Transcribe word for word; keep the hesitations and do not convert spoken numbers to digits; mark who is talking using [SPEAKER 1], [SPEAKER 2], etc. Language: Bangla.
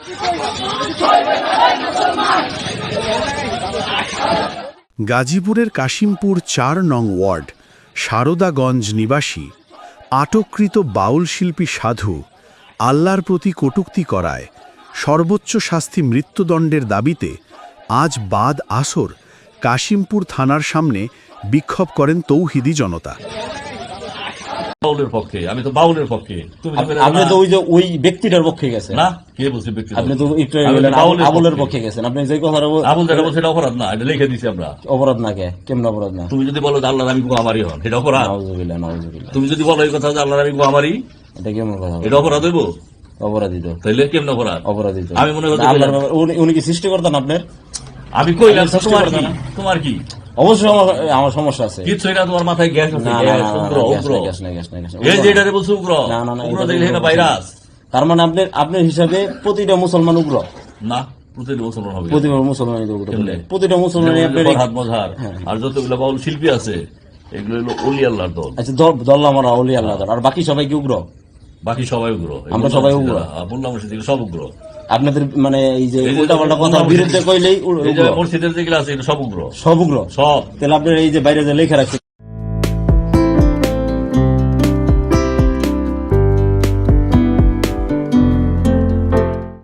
[SPEAKER 1] গাজীপুরের কাশিমপুর চার নং ওয়ার্ড সারদাগঞ্জ নিবাসী আটককৃত বাউল শিল্পী সাধু আল্লাহর প্রতি কটূক্তি করায় সর্বোচ্চ শাস্তি মৃত্যুদণ্ডের দাবিতে আজ বাদ আসর কাশিমপুর থানার সামনে বিক্ষোভ করেন তৌহিদি জনতা।
[SPEAKER 2] বাউলের পক্ষে, আমি তো বাউলের পক্ষে।
[SPEAKER 3] আপনি তো ওই যে ওই ব্যক্তিটার পক্ষে গেছেন
[SPEAKER 2] না? কে বলছে ব্যক্তি?
[SPEAKER 3] আপনি তো একটু আবুলের পক্ষে গেছেন। আপনি যে কথা
[SPEAKER 2] আবুল যেটা বলছে এটা অপরাধ না, এটা লিখে দিছি আমরা।
[SPEAKER 3] অপরাধ না কে? কেমন অপরাধ না?
[SPEAKER 2] তুমি যদি বলো যে আল্লাহর আমি গোয়ামারি হন, এটা অপরাধ?
[SPEAKER 3] নাউজুবিল্লাহ, নাউজুবিল্লাহ।
[SPEAKER 2] তুমি যদি বলো এই কথা যে আল্লাহর আমি গোয়ামারি,
[SPEAKER 3] এটা কেমন কথা?
[SPEAKER 2] এটা অপরাধ হইব?
[SPEAKER 3] অপরাধিত।
[SPEAKER 2] তাইলে কেমন অপরাধ?
[SPEAKER 3] অপরাধিত।
[SPEAKER 2] আমি মনে করি
[SPEAKER 3] উনি কি সৃষ্টি করতেন আপনার?
[SPEAKER 2] আমি কইলাম তোমার কি? তোমার কি?
[SPEAKER 3] অবশ্যই আমার সমস্যা আছে।
[SPEAKER 2] কিছু না, তোমার মাথায় গ্যাস আছে। উগ্র উগ্র এই যে এটারে বলছো উগ্র।
[SPEAKER 3] না না না,
[SPEAKER 2] উগ্র দেখলে এটা ভাইরাস।
[SPEAKER 3] তার মানে আপনার আপনার হিসাবে প্রতিটা মুসলমান উগ্র
[SPEAKER 2] না? প্রতিটা মুসলমান হবে?
[SPEAKER 3] প্রতিটা মুসলমান উগ্র। প্রতিটা মুসলমান আপনার
[SPEAKER 2] হাত মজার আর যতগুলো বাউল শিল্পী আছে এগুলো হলো ওলি আল্লাহর দল।
[SPEAKER 3] আচ্ছা, দল আমরা ওলি আল্লাহর দল। আর বাকি সবাই কি উগ্র?
[SPEAKER 2] বাকি সবাই উগ্র।
[SPEAKER 3] আমরা সবাই উগ্র।
[SPEAKER 2] বললাম সব উগ্র।
[SPEAKER 3] আপনাদের মানে এই যে উল্টা পাল্টা কথার বিরুদ্ধে কইলেই
[SPEAKER 2] মসজিদের যেগুলো আছে সব উগ্র।
[SPEAKER 3] সব উগ্র।
[SPEAKER 2] সব।
[SPEAKER 3] তাহলে আপনার এই যে বাইরে যে লেখা রাখছে